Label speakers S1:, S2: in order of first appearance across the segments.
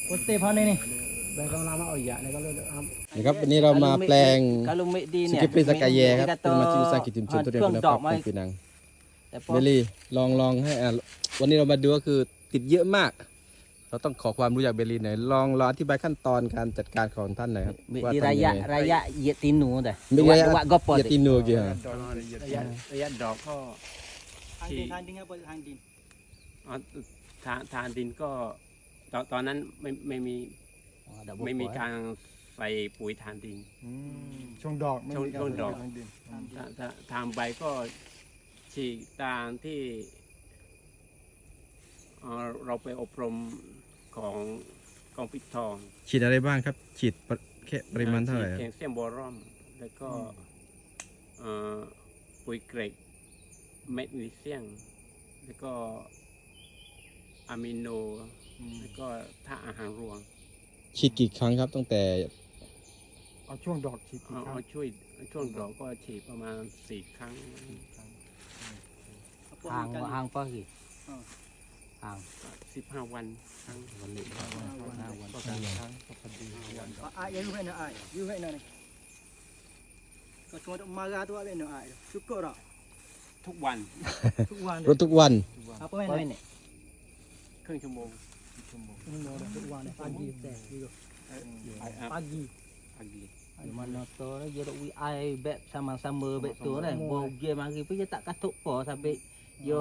S1: Putih pan ini.
S2: นะครับวันนี้เรามาแปลง
S1: Kalau mek di
S2: ส
S1: ni.
S2: กิปปริสกายแยครับเป็นมาชิมสร้างกิจชุมชนตัวเรียนคุณภาพของปีนังเมลี่ลองให้วันนี้เรามาดูก็คือติดเยอะมาก เราต้องขอความรู้จากเบลลี่หน่อยลองอธิบายขั้นตอนการจัดการของท่านหน่อยครับ
S1: Mek
S2: ว่า
S1: di
S2: ทำยังไง
S1: raya ye tinu dah.
S2: ไม่ใช่
S1: Buat gopo
S2: ยาตินูกี่ฮะ
S3: ระยะดอกก็
S1: ทานดินครับทานดิน
S3: ทานดินก็ตอนนั้นไม่มีการใส่ปุ๋ยทานดิน
S4: ช่วงดอกไม่มีการ
S3: ช่วงดอก
S4: ทางดิน
S3: ถ้าทำใบก็ฉีกตามที่เราไปอบรมของกองปิดทอง
S2: ฉีดอะไรบ้างครับฉีดแค่ปริมาณเท่าไหร่ครับ
S3: แคลเซียมบอรอนแล้วก็ปุ๋ยเกรดแมกนีเซียมแล้วก็อะมิโนแล้วก็ธาตุอาหารรวม
S2: ฉีดกี่ครั้งครับตั้งแต่
S4: เอาช่วงดอกฉีดกี่ครั้ง
S3: เอาช่วงดอกก็ฉีดประมาณ4 ครั้ง
S1: hang apa lagi? Hang
S3: 15 วันครั้ง
S1: balik.
S4: ก็สามครั้งก็พอดี
S5: Ai yang you nak ai? You nak ni. Kau cuma duk marah tu ai nak ai. Cukup tak?
S3: ทุกวัน
S5: Tuk wan.
S2: รถทุกวัน
S5: Apa main ni?
S3: ครึ่งชั่วโมง
S5: Tuk wan pagi teh. Pagi.
S3: Pagi.
S1: Di mana tu dia duk wi ai beg sama-sama beg tu dah. Bau dia mari pun dia tak katuk apa sampai yo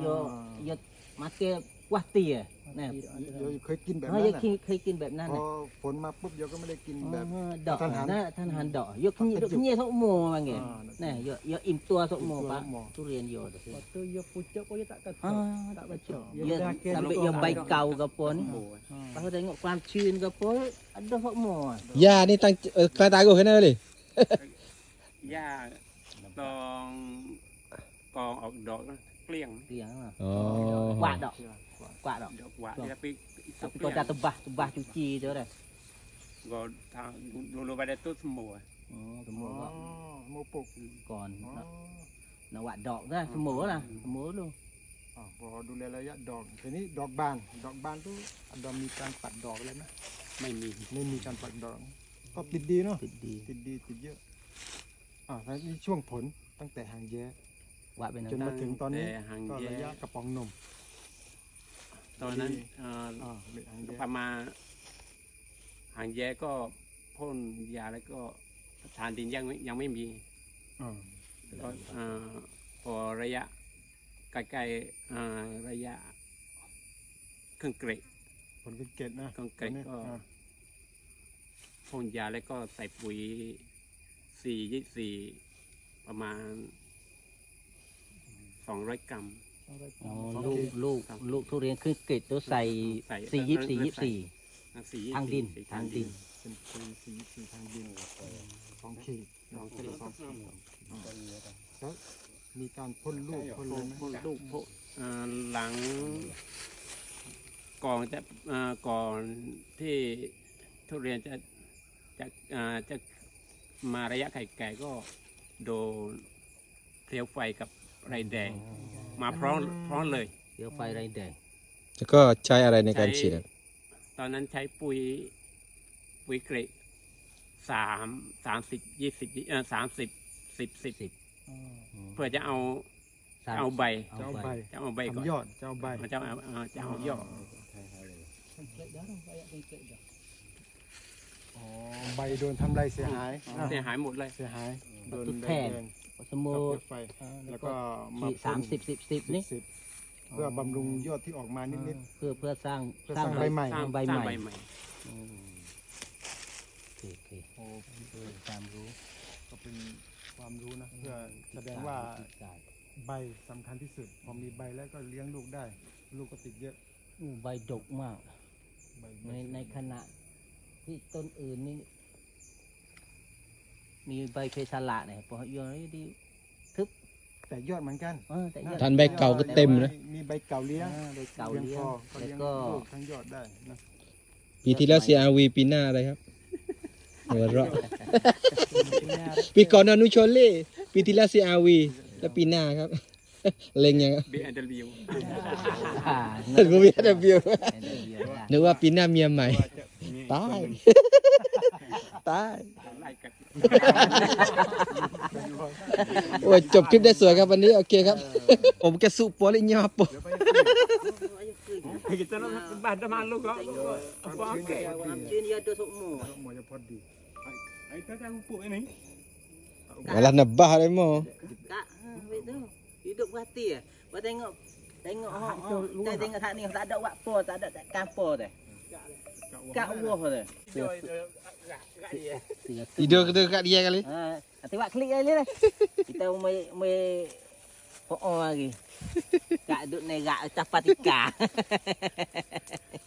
S1: makan kuah tia. Nah.
S4: เดี๋ยวเคยกินแบบ
S1: Ha
S4: นั้น
S1: dia
S4: น่ะ
S1: เคยกินแบบนั้น
S4: พอ
S1: น่ะ
S4: ฝนมาปุ๊บเดี๋ยวก็ไม่ได้กินแบบ
S1: ดอกนะท่านหันดอกยกขึ้นsok mo panggil. Nah, yo im tua sok mo pak. Durian yo tu.
S5: Lepas tu you pucuk pun you tak kata.
S1: Ah, tak baca.
S5: Dia
S1: Dia
S5: dah kira
S1: sampai
S5: duk
S1: dia
S5: orang
S1: baik
S5: dok.
S1: kau ke apa ni. Lepas tu tengok kuam cun ke apa, ada sok mo.
S2: ยานี่ตั้งใครตายกูเห็นไหมเลย
S3: หญ้าตองกองออกดอกนะเกลี้ยง
S1: Tiang lah.
S2: อ๋อ
S1: Kuat dok. Kuat dok.
S3: ดอกหวานtapi
S1: Tapi kau dah tebah cuci tu dah.
S3: ก็ทางดูไปได้ต้นสมัว
S1: Oh,
S4: อ๋อ
S1: semua
S4: โมปุก
S1: còn
S4: อ๋อ
S1: nak buat dok dah, semua lah. Semua luôn.
S4: พอดูแลระยะดอกทีนี้ดอกบานตู้ดอกมีการปัดดอกเลยไหม
S3: ไม่มี
S4: ไม่มีการปัดดอก ก็ติดดีเนาะ
S1: Tik di.
S4: ติดเยอะแล้วนี่ช่วงผลตั้งแต่หางแย้
S1: Buat benar.
S4: จนมาถึงตอนนี้
S3: แต่หาง
S4: ก็
S3: แย้
S4: ระยะกระป๋องนม
S3: ตอนนั้น
S4: เบ็ดหางแย้
S3: ประมาณหางแย้ก็พ่นยาแล้วก็ทานดินยังไม่มี
S4: อ่า
S3: ก็พอระยะใกล้ๆระยะเครื่องเกรด
S4: ผลเป็นเกตนะ
S3: เครื่องเกรดก็พ่นยาแล้วก็ใส่ปุ๋ย4 ประมาณ200 กรัม
S1: Oh,ลูกทุเรียนคือเกล็ดตัวใส่
S3: ใส่
S1: 4 ทางดิน
S4: เป็นปีสีทางดิน2 ขีด
S3: 2 ขีด
S4: แล้วมีการพ่นลูกพ่นเลยไหม
S3: พ่นลูกหลังก่อนที่ทุเรียนจะมาระยะไข่แก่ก็โดนเปลวไฟกับไรแดงมาพร้อมเลย
S1: เดี๋ยวไฟไรแดง
S2: แล้วก็ใช้อะไรในการฉีดครับ
S3: ตอนนั้นใช้ปุ๋ยเกรด30 เพื่อจะเอาใบ
S4: จะเอาใบ
S3: จะเอาใบก่อน
S4: ทำยอดจะเอาใบ
S3: จะเอายอด
S4: ใบโดนทำลายเสียหาย
S3: เสียหายหมดเลย
S4: เสียหายโดน
S1: ตุ๊ด
S4: ใบ
S1: แทง
S4: แดง
S1: สมม
S4: กับ
S1: ติ
S4: เปลวไฟแล้วก็มา
S1: ขีด
S4: พ่น
S1: 30 10นี่
S4: เพื่อบำรุงยอดที่ออกมานิด
S1: เพื่อสร้าง
S4: เพื่อสร้างใบใหม่
S1: สร้างใบ
S3: สร้าง
S1: ให
S3: ใบ
S1: ม่
S3: ใหม่
S1: โอเคความรู้
S4: ๆก็เป็นความรู้นะเพื่อแสดงว่าใบสำคัญที่สุดพอมีใบแล้วก็เลี้ยงลูกได้ ลูกก็ติดเยอะ
S1: ใบดกมาก
S4: ใบ
S1: ในขณะที่ต้นอื่นนี่มีใบเพชรละเนี่ยพอโยนดี
S4: แต่ยอดเหมือนกัน
S1: แต่ยอด
S2: ท่านใบเก่าก็เต็มนะ
S4: มีใบเก่าเลี้ยง
S1: ใบเก่า
S4: เลี้ยง
S1: เลี้ย
S4: พ
S1: ง
S4: อก็
S1: แล้ว
S4: เลี้ยง
S1: ก็
S4: ลูกทั้งยอดได้นะ
S2: ปีที่แล้ว CRV ปีหน้าอะไรครับหัวเราะปีก่อนอนุชนเล่ปีที่แล้ว CRV แล้วปีหน้าครับเล็งยัง
S3: BMW
S2: กูมีแต่วิวนึกว่าปีหน้าเมียใหม่ ตาย ตาย
S3: ไล่กัด
S2: โอ้ยจบคลิปได้สวยครับวันนี้โอเคครับ ผมแกสุปอลิญญาป
S3: kita nak bahan malu kok apa okey
S5: Amcin dia ada semua.
S4: Semuanya padi.
S3: ai tak tahu pupuk ini
S2: Malah nebah dia mau.
S5: Tak, tu. Hidup berhati ah. Kau tengok kita tengok tak ni tak ada buat apa, tak ada kampur dah. Kat wah dah.
S2: Tidur dekat dia kali.
S5: Ha, nanti buat klik kali dah. Kita mai lagi. Kak duk nerak atas patika.